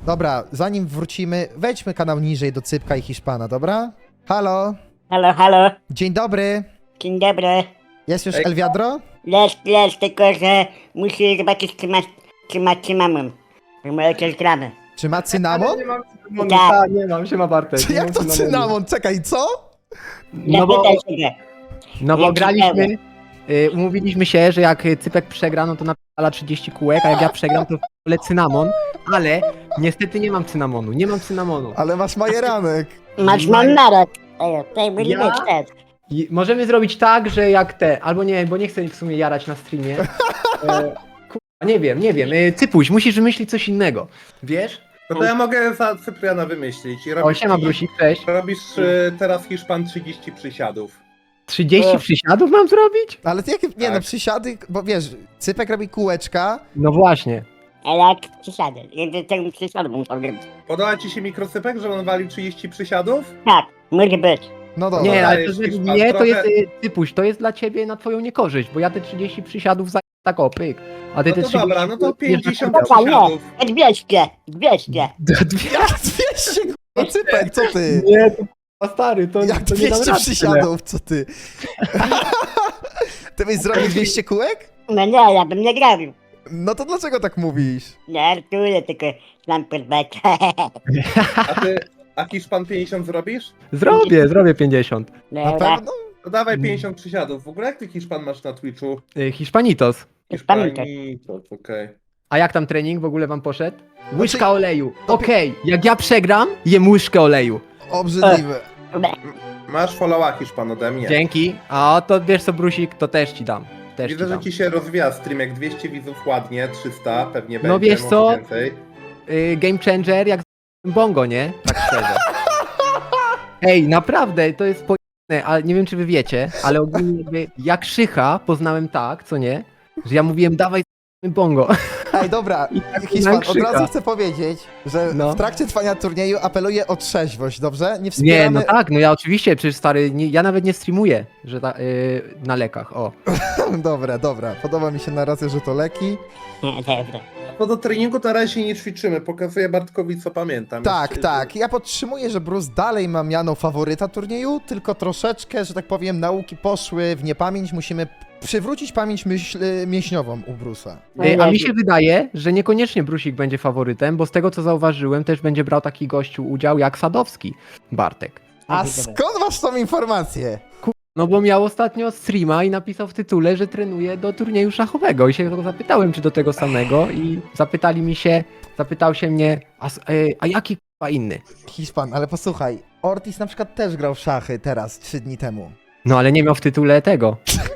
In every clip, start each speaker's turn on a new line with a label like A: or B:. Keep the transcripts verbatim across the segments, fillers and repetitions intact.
A: Dobra, zanim wrócimy, wejdźmy kanał niżej do Cypka i Hiszpana, dobra? Halo?
B: Halo, halo.
A: Dzień dobry.
B: Dzień dobry.
A: Jest już
C: Ej.
A: El Wiadro?
B: Jest, jest, tylko że musi zobaczyć, czy ma, czy ma cynamon. To może coś gramy.
A: Czy ma cynamon?
C: Nie mam cynamonu,
B: Tak.
C: ta, nie mam, siema Bartek.
A: Czy
C: nie
A: jak
C: mam
A: to
C: cynamonu.
A: cynamon? Czekaj, co?
C: No bo,
B: Zapytaj się go.
C: no bo
B: Jaki
C: graliśmy, y, umówiliśmy się, że jak Cypek przegra, no to napala trzydzieści kółek, a jak ja przegram, to wolę cynamon, ale niestety nie mam cynamonu, nie mam cynamonu.
A: Ale masz majeranek.
B: Masz
C: Ma-
B: mandarek. Ej, tutaj byli
C: Ja?
B: być też.
C: I możemy zrobić tak, że jak te, albo nie, bo nie chcę w sumie jarać na streamie. E, kurwa, nie wiem, nie wiem. E, Cypuś, musisz wymyślić coś innego. Wiesz?
D: No to ja mogę za Cypriana wymyślić. I
C: O,
D: robisz,
C: siema Brusik, cześć.
D: robisz y, teraz Hiszpan trzydzieści przysiadów.
C: trzydzieści
B: O.
C: przysiadów mam zrobić?
A: Ale ty jakie, nie
D: Tak.
A: no, przysiady, bo wiesz, Cypek robi kółeczka.
C: No właśnie.
B: A jak przysiadę? Jeden tego przysiadu muszę zrobić.
D: Podoba ci się mikrocypek, że on walił trzydzieści przysiadów?
B: Tak, może być.
A: No dobra.
C: Nie, ale to,
D: dajesz,
C: że
D: Hiszpan,
C: nie, to
D: trochę-
C: jest, e, Cypuś, to jest dla ciebie na twoją niekorzyść, bo ja te trzydzieści przysiadów za tak o, pyk. A ty
D: No
C: te
D: to
C: trzydzieści
D: dobra, no to
C: bierzesz na
D: pięćdziesiąt
C: kubeł.
B: Dobra, nie.
D: przysiadów.
B: dwieście, dwieście.
A: Jak dwieście, kurwa, Cypek, co ty?
C: Nie, to a stary, to,
A: Jak
C: to nie dam
A: dwieście
C: rady
A: przysiadów, co ty? Ty byś zrobił dwieście kółek?
B: No nie, ja bym nie grał.
A: No to dlaczego tak mówisz?
B: Nie, Arturę, tylko znam podbeczę.
D: A ty, a Hiszpan pięćdziesiąt zrobisz?
C: tyle. Zrobię, zrobię pięćdziesiąt.
A: Na
B: Dobra.
A: pewno?
D: To dawaj
C: Mm.
D: pięćdziesiąt przysiadów. W ogóle jak ty Hiszpan masz na Twitchu?
C: E, Hiszpanitos.
B: Pamiętaj.
D: Hiszpanitos, okej.
C: A jak tam trening w ogóle wam poszedł? Łyżka
A: Znaczy-
C: oleju. Okej, jak ja przegram, jem łyżkę oleju.
A: Obrzydliwe.
B: Dobra.
D: Masz followa Hiszpan ode mnie.
C: Dzięki. A to wiesz co, Brusik, to też ci dam. Też
D: Widzę,
C: ci
D: że
C: dam.
D: ci się rozwija stream, jak dwieście widzów ładnie, trzysta pewnie
C: No
D: będzie,
C: wiesz
D: może
C: co?
D: więcej.
C: Y, game changer jak z bongo, nie? Tak szczerze. Ej, naprawdę, to jest pojemne, ale nie wiem czy wy wiecie, ale ogólnie jakby jak Szycha poznałem tak, co nie? Że ja mówiłem dawaj z bongo.
A: Ej, dobra,
C: tak
A: Hiszpan, od
C: krzyka.
A: razu chcę powiedzieć, że
C: No.
A: w trakcie trwania turnieju apeluję o trzeźwość, dobrze? Nie
C: Nie,
A: wspieramy...
C: no tak, no ja oczywiście, przecież stary, nie, ja nawet nie streamuję, że ta, y, na lekach, o.
A: Dobra, dobra, podoba mi się na razie, że to leki.
B: Nie, dobra.
D: Bo do treningu na razie nie ćwiczymy, pokazuję Bartkowi co pamiętam.
A: Tak,
D: Jeszcze-
A: tak, ja podtrzymuję, że Bruce dalej ma miano faworyta turnieju, tylko troszeczkę, że tak powiem, nauki poszły w niepamięć, musimy przywrócić pamięć myśl, mięśniową u Bruce'a.
C: Y, a mi się wydaje, że niekoniecznie Brusik będzie faworytem, bo z tego co zauważyłem, też będzie brał taki gościu udział jak Sadowski, Bartek.
A: A skąd masz tą informację?
C: No bo miał ostatnio streama i napisał w tytule, że trenuje do turnieju szachowego i się go zapytałem, czy do tego samego i zapytali mi się, zapytał się mnie, a, s- e, a jaki k***a inny?
A: Hiszpan, ale posłuchaj, Ortiz na przykład też grał w szachy teraz, trzy dni temu.
C: No ale nie miał w tytule tego.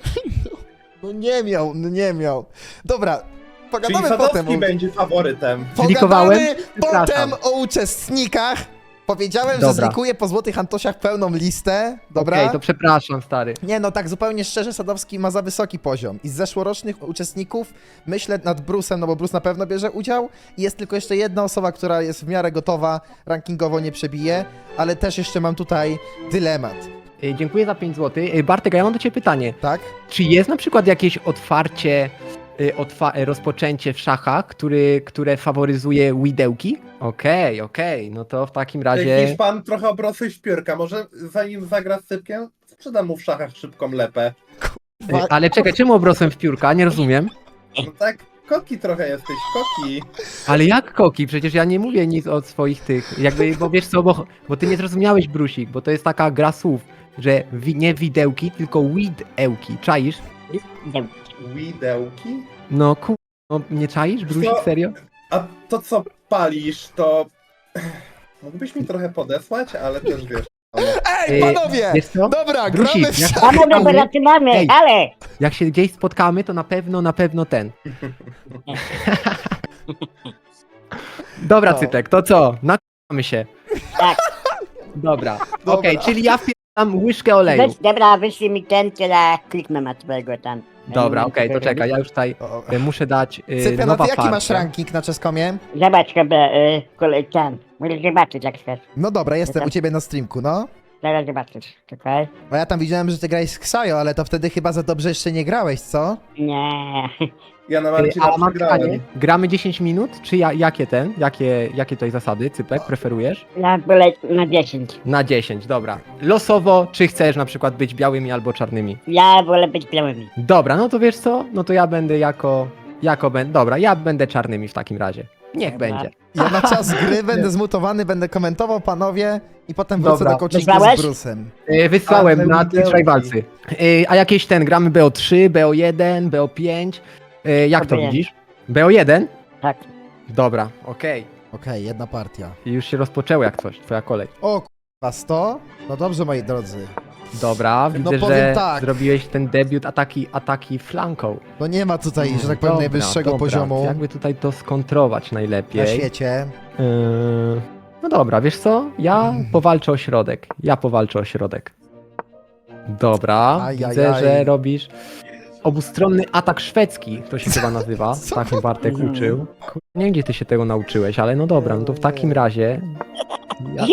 A: No nie miał, no nie miał. Dobra,
D: Czyli
A: pogadamy
D: Sadowski
A: potem. o-
D: będzie faworytem.
C: Zlikowałem?
A: Pogadamy
C: Przepraszam.
A: potem o uczestnikach. Powiedziałem, że
C: Dobra.
A: zlikuję po Złotych Antosiach pełną listę, dobra?
C: Okej, to przepraszam, stary.
A: Nie, no tak zupełnie szczerze, Sadowski ma za wysoki poziom. I z zeszłorocznych uczestników myślę nad Bruce'em, no bo Bruce na pewno bierze udział. I jest tylko jeszcze jedna osoba, która jest w miarę gotowa, rankingowo nie przebije, ale też jeszcze mam tutaj dylemat,
C: E, dziękuję za pięć złotych. E, Bartek, a ja mam do ciebie pytanie.
A: tak?
C: Czy jest na przykład jakieś otwarcie, e, otwa e, rozpoczęcie w szachach, który, które faworyzuje widełki? Okej, okej, no to w takim razie...
D: Hiszpan trochę obrosły w piórka, może zanim zagra z Cypkiem, sprzedam mu w szachach szybką lepę.
C: E, ale czekaj, czemu obrosłem w piórka? Nie rozumiem.
D: No tak, koki trochę jesteś, koki.
C: Ale jak koki? Przecież ja nie mówię nic od swoich tych, jakby, bo wiesz co, bo, bo ty nie zrozumiałeś, Brusik, bo to jest taka gra słów, że wi, nie widełki, tylko widełki, czaisz?
D: Widełki?
C: No ku... No, nie czaisz, Brusik,
D: Co?
C: serio?
D: A to co palisz, to... Mógłbyś mi trochę podesłać, ale też wiesz... no.
A: Ej,
C: E,
A: panowie!
C: wiesz co?
A: Dobra,
C: Brusik,
A: gramy w
C: jak-
A: szachy!
B: Mamy dobra, zaczynamy,
C: Ej.
B: ale...
C: Jak się gdzieś spotkamy, to na pewno, na pewno ten. Dobra,
A: No.
C: Cytek, to co? Nakłamy się.
B: Tak.
C: Dobra,
A: Dobra.
C: okej, czyli ja wpieram łyżkę oleju.
B: Weź, dobra, wyślij mi ten, tyle kliknę na twojego tam.
C: Dobra, okej, to czekaj, ja już tutaj
A: O,
C: e, muszę dać e,
A: Cyprian, a
C: nowa
A: ty jaki masz
C: farta.
A: ranking na czeskomie?
B: Zobacz sobie, y, kolej ten. Możesz zobaczyć jak chcesz.
A: No dobra, jestem
B: Jestem.
A: u ciebie na streamku, no.
B: Zaraz zobaczysz, czekaj.
A: Bo ja tam widziałem, że ty grałeś z Ksajo, ale to wtedy chyba za dobrze jeszcze nie grałeś, co?
B: Nie,
D: Ja na
C: Ej,
D: Marcina
C: a mam pytanie,
D: przegrałem.
C: gramy dziesięć minut, czy ja, jakie ten, jakie, jakie tutaj zasady, Cypek, preferujesz?
B: Ja wolę na dziesięć.
C: Na dziesięć, dobra. Losowo, czy chcesz na przykład być białymi albo czarnymi?
B: Ja wolę być białymi.
C: Dobra, no to wiesz co? No to ja będę jako, jako będę, dobra, ja będę czarnymi w takim razie. Niech
B: Dobra.
C: będzie.
A: Ja na czas gry będę zmutowany, będę komentował, panowie, i potem wrócę
C: Dobra.
A: do coachingu
B: Wysłałeś?
A: z Brusem.
C: Yy, wysłałem
D: A, te
C: na
D: widełki.
C: Twitch Rivalsy. Yy, a jakieś ten, gramy B O trzy, B O jeden, B O pięć. Yy, jak to
B: Dobra.
C: widzisz? B O jeden?
B: Tak.
C: Dobra, okej.
A: Okej, jedna partia.
C: I już się rozpoczęło jak coś, twoja kolej.
A: O k***a, sto? No dobrze, moi drodzy.
C: Dobra, widzę,
A: powiem
C: że
A: tak.
C: zrobiłeś ten debiut ataki, ataki flanką.
A: No nie ma tutaj, że tak powiem,
C: Dobra,
A: najwyższego
C: dobra.
A: poziomu
C: Jakby tutaj to skontrować
A: na
C: najlepiej.
A: świecie.
C: Yy, no dobra, wiesz co? Ja powalczę o środek. Ja powalczę o środek. Dobra,
A: Aj,
C: widzę,
A: aj,
C: że
A: aj.
C: robisz obustronny atak szwedzki, to się chyba nazywa.
A: Co?
C: Tak mnie Bartek uczył. Kur- Nie wiem, gdzie ty się tego nauczyłeś, ale no dobra, no to w takim razie ja,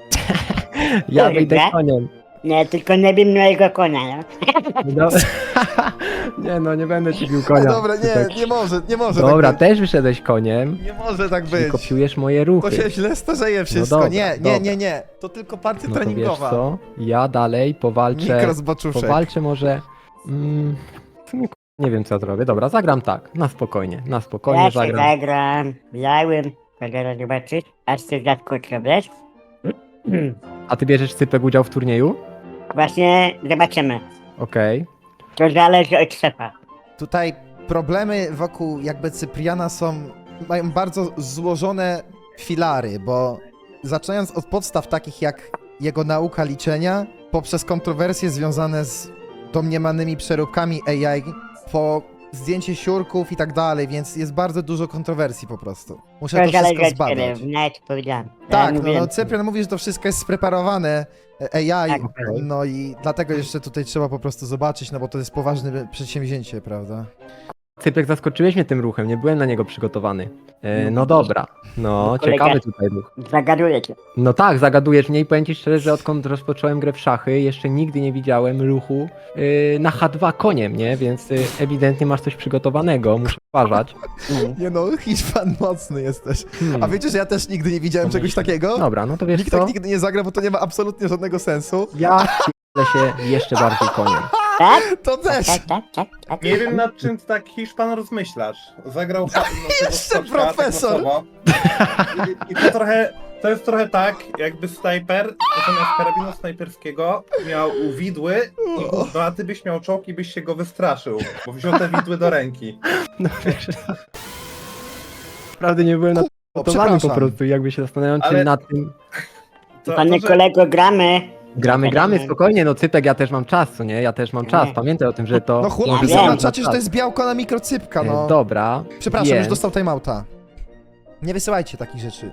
C: ja wyjdę
B: Dobra.
C: koniem.
B: Nie, tylko nie wiem mojego konia, no.
C: No, nie no, nie będę ci bił konia.
A: Dobra,
C: Tutaj.
A: nie, nie może, nie może
C: Dobra,
A: tak być.
C: też wyszedłeś koniem.
A: Nie może tak
C: I
A: być.
C: kopiujesz moje
A: To
C: ruchy.
A: się źle starzeje wszystko.
C: dobra,
A: nie,
C: dobra.
A: nie, nie, nie. To tylko partia
C: No to wiesz
A: treningowa.
C: co? Ja dalej powalczę.
A: Mikrozboczuszek.
C: Powalczę może. Mm, w sumie, k- nie wiem co zrobię. Dobra, zagram tak. Na spokojnie, na spokojnie
B: Ja się
C: zagram.
B: zagram białym. Mogę zobaczyć, aż się zaskoczę, wiesz?
C: A ty bierzesz Cypek udział w turnieju?
B: Właśnie zobaczymy.
C: Okej.
B: To zależy od szefa.
A: Tutaj problemy wokół jakby Cypriana są, mają bardzo złożone filary, bo zaczynając od podstaw takich jak jego nauka liczenia, poprzez kontrowersje związane z domniemanymi przeróbkami A I, po zdjęcie siurków i tak dalej, więc jest bardzo dużo kontrowersji po prostu. Muszę
B: To
A: to wszystko
B: zależy od ciebie,
A: zbadać.
B: nawet powiedziałem.
A: Tak,
B: ja
A: no,
B: mówiłem.
A: no Cyprian mówi, że to wszystko jest spreparowane A I,
B: Tak.
A: no i dlatego jeszcze tutaj trzeba po prostu zobaczyć, no bo to jest poważne przedsięwzięcie, prawda?
C: Cypek, zaskoczyłeś mnie tym ruchem, nie byłem na niego przygotowany. E, no
B: No,
C: dobra, no
B: kolega-
C: ciekawy tutaj ruch.
B: Zagaduję cię.
C: No tak, zagadujesz mnie i powiem ci szczerze, że odkąd rozpocząłem grę w szachy, jeszcze nigdy nie widziałem ruchu yy, na H dwa koniem, nie? Więc yy, ewidentnie masz coś przygotowanego, muszę uważać.
B: Mm.
A: Nie no, Hiszpan mocny jesteś.
C: Hmm.
A: A wiecie, że ja też nigdy nie widziałem czegoś takiego?
C: Dobra, no to wiesz
A: Nikt
C: co?
A: tak nigdy nie zagra, bo to nie ma absolutnie żadnego sensu.
C: Ja p***lę się jeszcze bardziej koniem.
B: Tak?
A: To też!
B: Tak, tak, tak, tak.
D: Nie wiem nad czym tak Hiszpan rozmyślasz. Zagrał fa- no, tego
A: Jeszcze
D: skoczka, tak
A: profesor.
D: losowo. I, I to trochę, to jest trochę tak, jakby snajper zamiast karabinu snajperskiego miał widły, i, no a ty byś miał czołg i byś się go wystraszył, bo wziął te widły do ręki.
C: No wiesz. Naprawdę nie byłem na
A: O,
C: przygotowany po
A: przepraszam.
C: prostu, jakby się zastanawiam, czy
D: Ale-
C: na tym...
D: To,
B: Panie
D: to, że-
B: kolego, gramy.
C: Gramy, gramy, spokojnie, no Cypek, ja też mam czas, co nie? Ja też mam czas,
B: Nie.
C: pamiętaj o tym, że to...
A: No chłop,
B: Ja
A: napisał
B: wiem.
A: na czacie, że to jest białko na mikrocypka,
C: E,
A: no.
C: Dobra,
A: Przepraszam,
C: więc-
A: już dostał timeouta. Nie wysyłajcie takich rzeczy.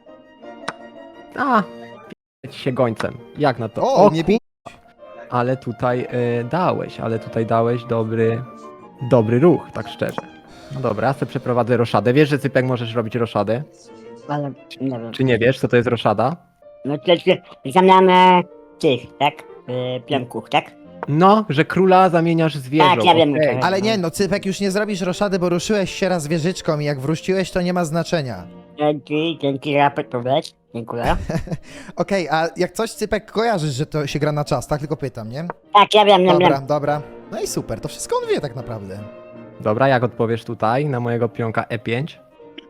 C: A, p- ci się gońcem. Jak na to?
A: O, nie bij.
C: Ale tutaj e, dałeś, ale tutaj dałeś dobry, dobry ruch, tak szczerze. No dobra, ja sobie przeprowadzę roszadę. Wiesz, że Cypek możesz robić roszadę?
B: Ale nie wiem.
C: Czy nie wiesz, co to jest roszada?
B: No to jest zamiana tych, tak? Yy, pionków, tak?
C: No, że króla zamieniasz z wieżą.
B: Tak, ja wiem,
C: okej.
B: tak.
A: Ale nie, no Cypek, już nie zrobisz roszady, bo ruszyłeś się raz wieżyczką i jak wróciłeś, to nie ma znaczenia.
B: Dzięki, dzięki za podpowiedź. Dziękuję.
A: Okej, a jak coś Cypek kojarzysz, że to się gra na czas, tak? Tylko pytam, nie?
B: Tak, ja wiem, ja
A: Dobra,
B: wiem.
A: dobra. No i super, to wszystko on wie tak naprawdę.
C: Dobra, jak odpowiesz tutaj na mojego pionka E pięć?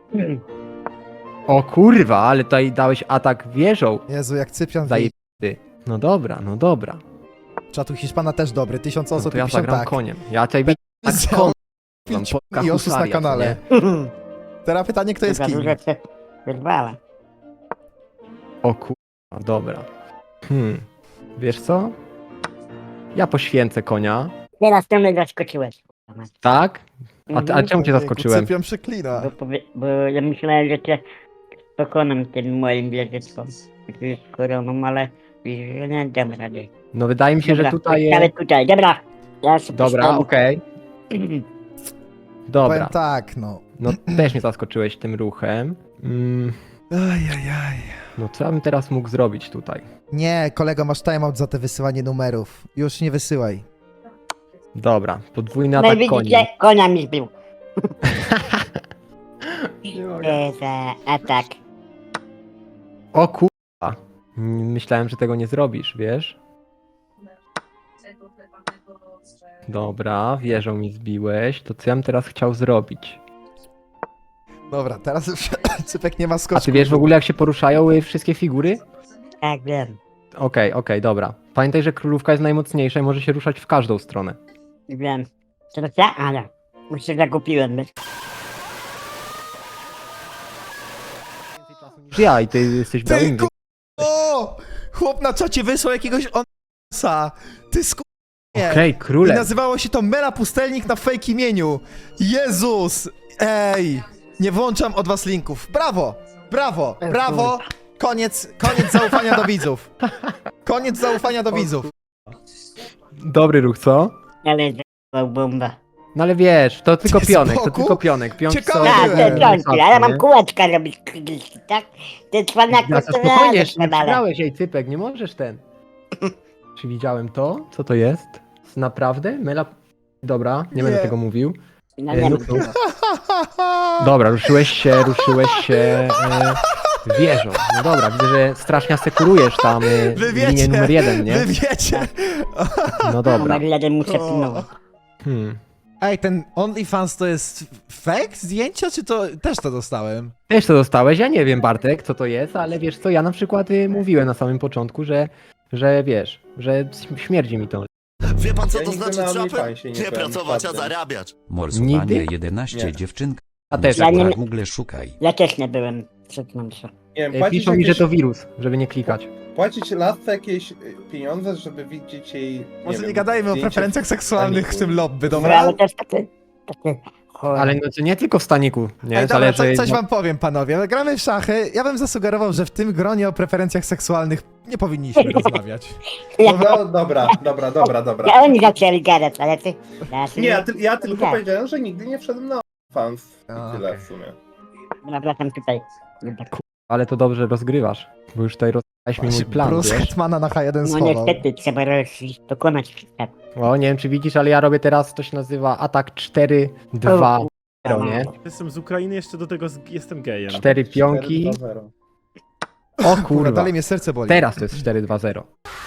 C: O kurwa, ale tutaj dałeś atak wieżą.
A: Jezu, jak Cyprian wie.
C: Zajebisty. No dobra, no dobra.
A: Czatu Hiszpana też dobry, tysiąc
C: No
A: osób
C: to ja
A: piszą
C: zagram
A: tak.
C: koniem. Ja tutaj tak
A: Za-
C: kon...
A: pięć
C: po-
A: i oszust na
C: kahusaria,
A: kanale.
C: co
A: Teraz pytanie, kto jest
B: Za
A: kim?
B: dużo się wyrwała.
C: O kurwa, dobra. Hmm. Wiesz co? Ja poświęcę konia.
B: Teraz to mnie zaskoczyłeś.
C: Tak? A, ty, a
B: Mhm.
C: czemu cię
A: Ojejku,
C: zaskoczyłem?
A: Cyprian przeklina.
B: Bo, powie, bo ja myślałem, że cię pokonam tym moim wieżyczką. Z koroną, ale widzisz, że nie dam rady.
C: No wydaje mi się, że
B: Dobra,
C: tutaj
B: postawię
C: jest...
B: tutaj, dobra. Ja się
C: Dobra,
B: postawię.
C: okej.
A: Powiem
C: Dobra.
A: tak, no.
C: No też mnie zaskoczyłeś tym ruchem. Mm,
A: Ajajaj.
C: no co ja bym teraz mógł zrobić tutaj?
A: Nie, kolego, masz timeout za te wysyłanie numerów. Już nie wysyłaj.
C: Dobra, podwójny
B: No i
C: atak koni.
B: widzicie, konia mi zbił. E, za atak.
C: O kurwa. Myślałem, że tego nie zrobisz, wiesz? Dobra, wieżą mi zbiłeś. To co ja bym teraz chciał zrobić?
A: Dobra, teraz już Cypek nie ma
C: A
A: skoczku.
C: ty wiesz w ogóle jak się poruszają y, wszystkie figury?
B: Tak, wiem.
C: Okej, okej, dobra. Pamiętaj, że królówka jest najmocniejsza i może się ruszać w każdą stronę.
B: Wiem. Teraz ja? Ale. Już się zakupiłem, wiesz?
C: Niż ja i ty jesteś
A: Ty
C: białym.
A: ku... O! Chłop na czacie wysłał jakiegoś onsa. Ty sku... Nie.
C: Okej,
A: I
C: króle.
A: nazywało się to Mela Pustelnik na fake imieniu. Jezus! Ej! Nie włączam od was linków. Brawo! Brawo! Brawo! Koniec, koniec zaufania do widzów. Koniec zaufania do widzów.
C: Dobry ruch, co?
B: Ale zakupił bomba.
C: No ale wiesz, to tylko
A: Ty z
C: pionek, to
A: boku?
C: tylko pionek. Pionki
A: Ciekawe.
C: są-
B: Tak,
A: byłem.
B: te piątki, ale mam kółeczka robić krzyżki, tak? Te cwaniaki
C: Ja
B: to
C: spokojnie,
B: radzę,
C: jeszcze nie
B: ale.
C: przegrałeś, ej Cypek, nie możesz ten. Czy widziałem to? Co to jest? Naprawdę? Mela... Dobra, nie,
A: Nie.
C: będę tego mówił.
B: No
C: E,
B: nie
C: no
B: mam
C: to-
B: tego.
C: Dobra, ruszyłeś się, ruszyłeś się e, wieżą. No dobra, widzę, że strasznie asekurujesz tam e,
A: Wy
C: linię
A: wiecie,
C: numer jeden, nie?
A: wy wiecie.
C: No dobra.
B: Numer jeden muszę
A: O.
B: pilnować.
C: Hmm.
A: Ej, ten OnlyFans to jest fake zdjęcia, czy to też to dostałem?
C: Też to dostałeś, ja nie wiem Bartek, co to jest, ale wiesz co, ja na przykład y, mówiłem na samym początku, że, że wiesz, że śmierdzi mi to.
E: Wie pan co
D: Ja
E: to
D: nigdy
E: znaczy
D: na
E: trapem?
D: OnlyFansie nie
E: Nie
D: byłem
E: pracować, a
D: czarnym.
E: zarabiać.
F: Morsowanie
C: Nigdy?
F: jedenaście
D: Nie.
F: dziewczynka.
C: A też
B: Ja nie-
F: Na Google szukaj.
B: Ja też nie byłem przed mną się.
D: Nie wiem,
C: Y,
D: płacić,
C: Piszą mi, że
D: jakieś,
C: to wirus, żeby nie klikać.
D: płacić lasce jakieś y, pieniądze, żeby widzieć jej. Nie
A: Może nie,
D: wiem,
A: gadajmy o
D: zdjęcie
A: preferencjach seksualnych w tym lobby,
B: No,
A: dobra?
B: ale też takie... takie...
C: Ale no, to nie tylko w staniku, nie?
A: Ej, dobra,
C: Zależy...
A: co, coś wam powiem, panowie. Gramy w szachy. Ja bym zasugerował, że w tym gronie o preferencjach seksualnych nie powinniśmy rozmawiać.
B: Ja,
D: No dobra, dobra, dobra, dobra.
B: ja oni zaczęli gadać, ale ty... Ja się
D: Nie, ja, ty, ja tylko
B: Tak.
D: powiedziałem, że nigdy nie wszedłem na fans.
A: A,
D: I tyle
A: okej.
D: w sumie.
B: Wracam tutaj.
C: Ale to dobrze rozgrywasz, bo już tutaj rozgrałeś mi mój
A: Właśnie
C: plan,
A: Bruce
C: wiesz?
A: Hetmana na H jeden
B: No
A: schował.
B: niestety, trzeba rozliczyć, dokonać wszystkiego.
C: O, nie wiem czy widzisz, ale ja robię teraz, to się nazywa atak cztery dwa zero, nie?
G: Jestem z Ukrainy, jeszcze do tego z... jestem gejem.
C: Cztery pionki.
D: cztery dwa zero.
C: O
A: Kurwa,
C: kurwa,
A: dalej mnie serce boli.
C: teraz to jest cztery dwa zero.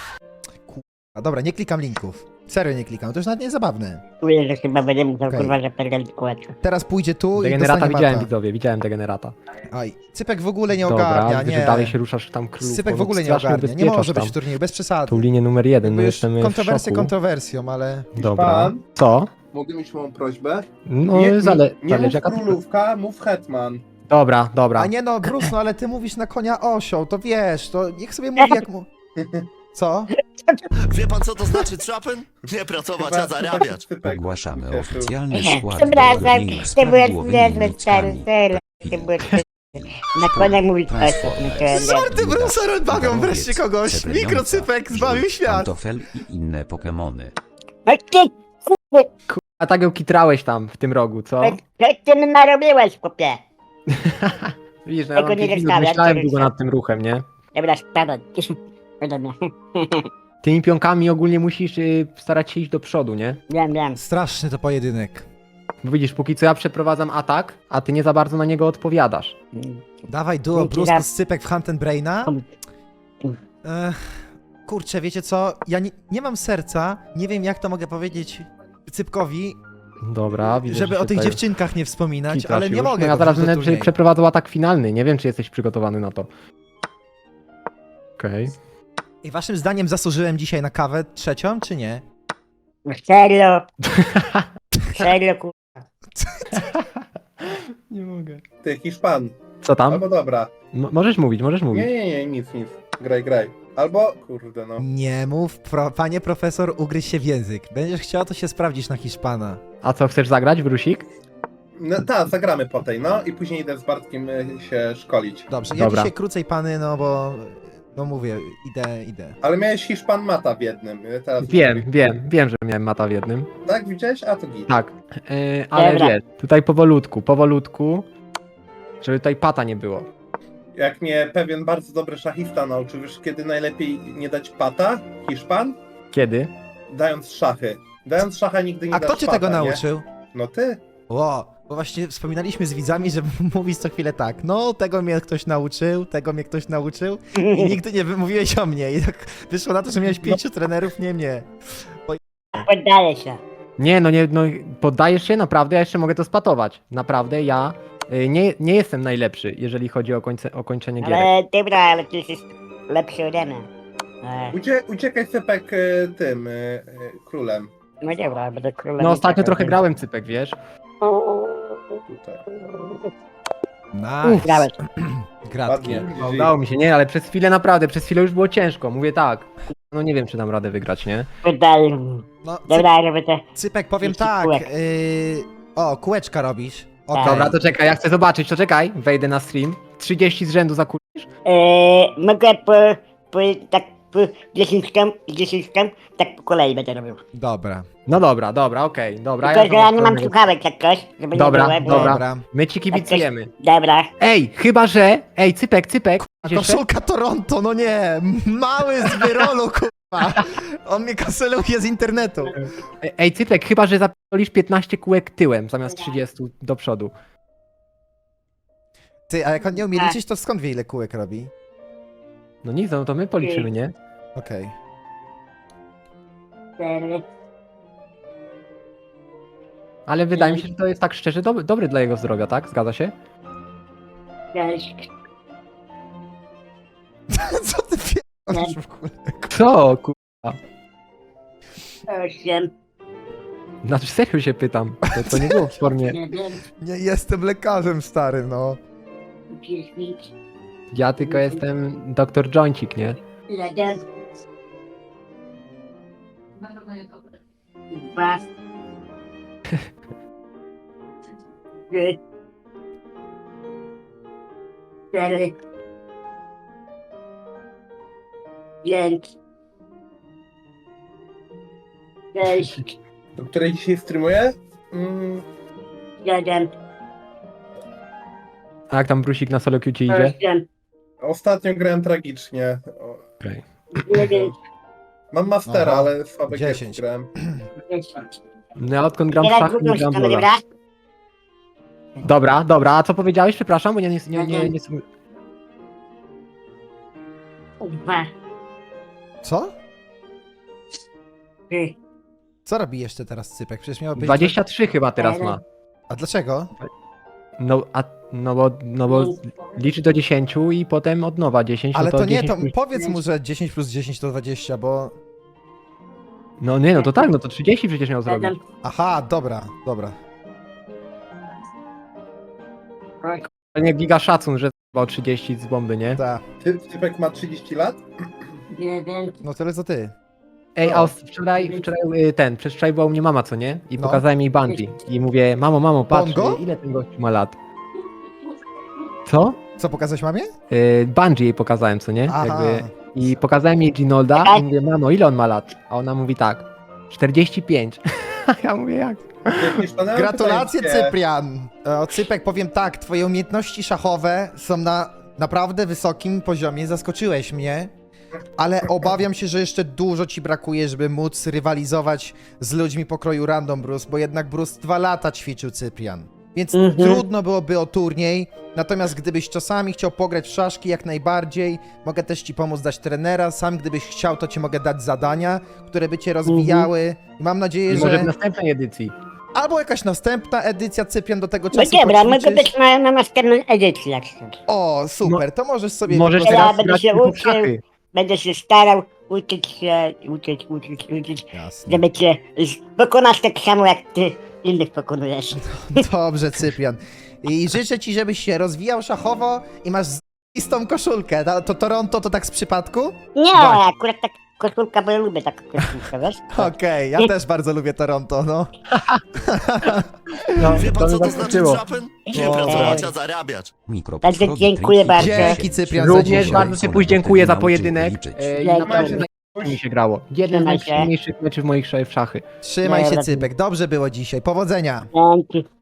A: A dobra, nie klikam linków. Serio nie klikam, to już nawet nie jest zabawne.
B: Czuję, że chyba będę musiał
A: Okej.
B: kurwa zapierdolić kółeczko.
A: Teraz pójdzie tu i
C: Degenerata
A: dostanie
C: widziałem,
A: mata.
C: widzowie, widziałem degenerata.
A: Aj, Cypek w ogóle nie
C: Dobra,
A: ogarnia,
C: widzę,
A: nie.
C: że dalej się ruszasz tam królów.
A: Cypek w ogóle nie ogarnia, nie może być w turnieju, bez przesady.
C: Tą linię numer jeden, no
A: Jakby już
C: jestem w
A: kontrowersję
C: szoku.
A: kontrowersją, ale...
C: Dobra.
D: Pan?
C: Co?
D: Mogę mieć małą prośbę?
C: No,
D: nie,
C: zale...
D: nie, nie
C: zależy
D: mów
C: jaka...
D: królówka, mów hetman.
C: Dobra, dobra.
A: A nie no, Bruce, no ale ty mówisz na konia osioł, to wiesz, to niech sobie mówi jak mu... Co?
E: Wie pan co to znaczy trapem? Nie pracować, a zarabiać.
F: Ogłaszamy oficjalny skład
B: Przepraszam,
F: turnieju
B: ty
F: z
B: byłeś
F: prawidłowymi
B: niezły, stary,
F: nickami.
B: serio. Ty byłeś... Na konia mówić osób, no to ja nie...
A: Żarty Bruce'a rozbawią
F: Darowiec,
A: wreszcie kogoś.
F: Srebreniąca,
A: Mikrocypek zbawił
F: Żółw,
A: świat.
F: Pantofel i inne Pokemony.
B: No ty, kurwa,
C: A tak ją kitrałeś tam, w tym rogu, co?
B: co ty mi narobiłeś, chłopie?
C: Widzisz, no ja
B: Tego
C: mam
B: nie
C: pięć minut,
B: zostawiam,
C: myślałem
B: to
C: długo
B: już-
C: nad tym ruchem, nie?
B: Dobra, spadaj. Ode mnie.
C: Tymi pionkami ogólnie musisz y, starać się iść do przodu, nie?
B: Wiem, wiem.
A: Straszny to pojedynek.
C: Bo widzisz, póki co ja przeprowadzam atak, a ty nie za bardzo na niego odpowiadasz.
A: Dawaj duo
B: Dzięki
A: Bruce
B: za-
A: plus Cypek w Hunt and Braina. Ech, kurczę, wiecie co? Ja nie, nie mam serca, nie wiem jak to mogę powiedzieć Cypkowi,
C: Dobra, widzę,
A: żeby
C: że
A: o tych
C: tutaj
A: dziewczynkach nie wspominać,
C: kitrasz
A: ale nie
C: już.
A: mogę
C: No ja
A: go
C: zaraz
A: wrzucić do
C: będę prze-
A: turnieju.
C: przeprowadzał atak finalny, nie wiem czy jesteś przygotowany na to. Okej.
A: I waszym zdaniem zasłużyłem dzisiaj na kawę trzecią, czy nie?
B: Serio. Serio, kurwa.
C: Nie mogę.
D: Ty, Hiszpan.
C: Co tam?
D: Albo dobra.
C: M- możesz mówić, możesz
D: Nie,
C: mówić.
D: nie, nie, nic, nic. Graj, graj. Albo, kurde no.
A: Nie mów, pro, panie profesor, ugryź się w język. Będziesz chciał, to się sprawdzisz na Hiszpana.
C: A co, chcesz zagrać, Brusik?
D: No tak, zagramy po tej, no i później idę z Bartkiem y, się szkolić.
A: Dobrze, ja
C: Dobra.
A: dzisiaj krócej pany, no bo... No mówię, idę, idę.
D: Ale miałeś Hiszpan Mata w jednym. y, Teraz
C: Wiem, wiem, wiem, że miałem mata w jednym.
D: Tak, widziałeś? A to git.
C: Tak, yy, ale
B: Dobra.
C: wiesz, tutaj powolutku, powolutku, żeby tutaj pata nie było.
D: Jak mnie pewien bardzo dobry szachista nauczył, wiesz kiedy najlepiej nie dać pata? Hiszpan?
C: Kiedy?
D: Dając szachy. Dając szacha nigdy nie
A: A
D: dasz
A: kto cię
D: pata,
A: tego
D: nie?
A: nauczył?
D: No ty.
A: Ło, Bo właśnie wspominaliśmy z widzami, że mówisz co chwilę tak, no tego mnie ktoś nauczył, tego mnie ktoś nauczył i nigdy nie wymówiłeś o mnie. I tak wyszło na to, że miałeś pięciu trenerów, nie mnie.
B: Poddaję się.
C: Nie, no nie, no poddajesz się, naprawdę, ja jeszcze mogę to spatować. Naprawdę, ja y, nie, nie jestem najlepszy, jeżeli chodzi o, końce, o kończenie gierek.
B: Ale dobra, ale ty jesteś lepszy ode mnie. E,
D: Ucie, uciekaj Cypek e, tym e, e, królem.
B: No dobra, będę królem.
C: No
B: i
C: ostatnio
B: tak,
C: trochę
B: ale-
C: grałem cypek, wiesz?
D: Tutaj.
A: Nice.
B: Grałeś.
A: Gratki.
D: Ładnie.
C: No, udało mi się, nie, ale przez chwilę naprawdę, przez chwilę już było ciężko, mówię tak. No nie wiem, czy dam radę wygrać, nie?
B: Poddaję.
A: No,
B: Dobra, robię te...
A: Cypek, powiem
B: Jeszcze
A: tak,
B: kółek.
A: yy... o, kółeczka robisz. Okej.
C: Dobra, to czekaj, ja chcę zobaczyć, to czekaj, wejdę na stream. trzydzieści z rzędu zakulisz?
B: E, mogę po, po, tak po dziesięć tam, dziesięć tam, tak po kolei będę robił.
A: Dobra,
C: No dobra, dobra, okej, dobra.
B: Tylko, że ja nie mam
C: zobaczę.
B: słuchawek jak coś, żeby
C: Dobra,
B: nie było. bo-
C: dobra.
A: dobra.
C: My ci kibicujemy.
B: Dobra.
C: Ej, chyba że, ej, cypek, cypek. jeszcze?
A: Koszulka Toronto, no nie, mały z wyrolu, kurwa. On mnie kanceluje z internetu.
C: Ej, cypek, chyba że zapierdolisz piętnaście kółek tyłem zamiast trzydzieści do przodu.
A: Ty, a jak on nie umie
B: Tak.
A: liczyć, to skąd wie ile kółek robi?
C: No nic, no to my policzymy, nie?
A: Okej.
B: Cztery.
C: Ale wydaje mi się, że to jest tak szczerze dob dobry dla jego zdrowia, tak? Zgadza się?
B: Sześć.
A: Co ty pierdolisz w ogóle?
C: Co, ku...
B: Osiem.
C: Znaczy serio się pytam. To, to nie było w formie.
B: Jeden.
A: Nie jestem lekarzem, stary, no.
B: Dziesięć.
C: Ja tylko jestem doktor Jońcik, nie?
B: Jeden. Dwa. Trzy. Cztery. Pięć. Sześć.
D: Do której dzisiaj streamuję? Mm,
B: Siedem.
C: A jak tam Brusik na solo queue ci idzie?
B: Osiem.
D: ostatnio grałem tragicznie. O,
C: Okej.
B: Dziewięć.
D: mam mastera,
A: Aha.
D: ale słabe
A: Dziesięć.
D: gierki grałem.
B: Dziesięć.
C: No ja odkąd gram w
B: Teraz
C: szachy,
B: drugą
C: nie gram w
B: stronę,
C: Lola.
B: dobra?
C: Dobra, dobra, a co powiedziałeś? Przepraszam, bo ja nie... nie, nie, nie, nie...
B: Dwa.
A: Co?
B: Trzy.
A: Co robi jeszcze teraz Cypek? Przecież miał być...
C: dwadzieścia trzy chyba teraz ma.
A: A dlaczego?
C: No, a, no bo, no bo liczy do dziesięciu i potem od nowa dziesięć.
A: Ale
C: no to,
A: to nie,
C: dziesięć
A: to
C: plus...
A: powiedz mu, że dziesięć plus dziesięć to dwadzieścia, bo...
C: No nie, no to tak, no to trzydzieści przecież miał zrobić.
B: Siedem.
A: Aha, dobra, dobra.
C: To nie giga szacun, że o trzydzieści z bomby, nie?
A: Ta.
D: Ty, Cypek ma trzydzieści lat?
B: Dziewięć.
A: No tyle co ty.
C: Ej,
D: No.
C: a os- wczoraj, wczoraj y, ten, przedwczoraj była u mnie mama, co nie? I
A: No.
C: pokazałem jej Bungie. I mówię, mamo, mamo, patrz,
A: Bongo?
C: y, ile ten gościu ma lat. Co?
A: Co pokazałeś mamie?
C: Y, Bungie jej pokazałem, co nie?
A: Aha.
C: Jakby, I pokazałem jej Ginolda i mówię, mamo, ile on ma lat? A ona mówi tak, czterdzieści pięć. A ja mówię, jak?
D: Jakieś szalone
A: Gratulacje,
D: pytanie.
A: Cyprian! E, O, Cypek, powiem tak, twoje umiejętności szachowe są na naprawdę wysokim poziomie, zaskoczyłeś mnie, ale obawiam się, że jeszcze dużo ci brakuje, żeby móc rywalizować z ludźmi pokroju Random Bruce, bo jednak Bruce dwa lata ćwiczył Cyprian. Więc
B: Mhm.
A: trudno byłoby o turniej, natomiast gdybyś czasami chciał pograć w szaszki jak najbardziej, mogę też ci pomóc dać trenera, sam gdybyś chciał, to ci mogę dać zadania, które by cię rozwijały. I mam nadzieję,
C: Może w
A: że...
C: następnej edycji.
A: Albo jakaś następna edycja, Cyprian do tego
B: No
A: czasu
B: dobra, mogę
A: poćwiczysz.
B: być na, na następnej edycji jak chcesz.
A: O, super, to możesz sobie...
C: Możesz
A: po prostu-
B: Ja
C: teraz
B: będę
C: grać
B: się
C: tylko w
B: uczył.
C: szachy.
B: Będę się starał uczyć się, uczyć, uczyć, uczyć,
A: Jasne.
B: żeby cię z- pokonać tak samo jak ty innych pokonujesz.
A: Dobrze, Cyprian. I życzę ci, żebyś się rozwijał szachowo i masz z***istą koszulkę. To, to Toronto to tak z przypadku?
B: Nie,
A: Właśnie.
B: akurat tak koszulka, bo ja lubię taką koszulkę, wiesz?
A: Okej, ja też bardzo lubię Toronto, no.
C: No,
E: Wie
C: to
E: pan,
C: mnie
E: co to znaczy
C: zaskoczyło.
E: trapen? Nie
A: No.
E: pracować, a zarabiać.
F: Mikro
B: Także
F: podchody,
B: dziękuję
F: triki,
B: bardzo.
A: Dzięki, Cyprian, za
C: Również
A: dzisiaj.
C: bardzo Ci później dziękuję za pojedynek. E, i
B: Dzięki.
C: naprawdę najlepiej mi się grało. Jeden z
B: Trzymaj się.
C: najprzyjemniejszych meczy w moich sz- w szachy.
A: Trzymaj się,
B: Dobra.
A: Cypek. Dobrze było dzisiaj. Powodzenia.
B: Dzięki.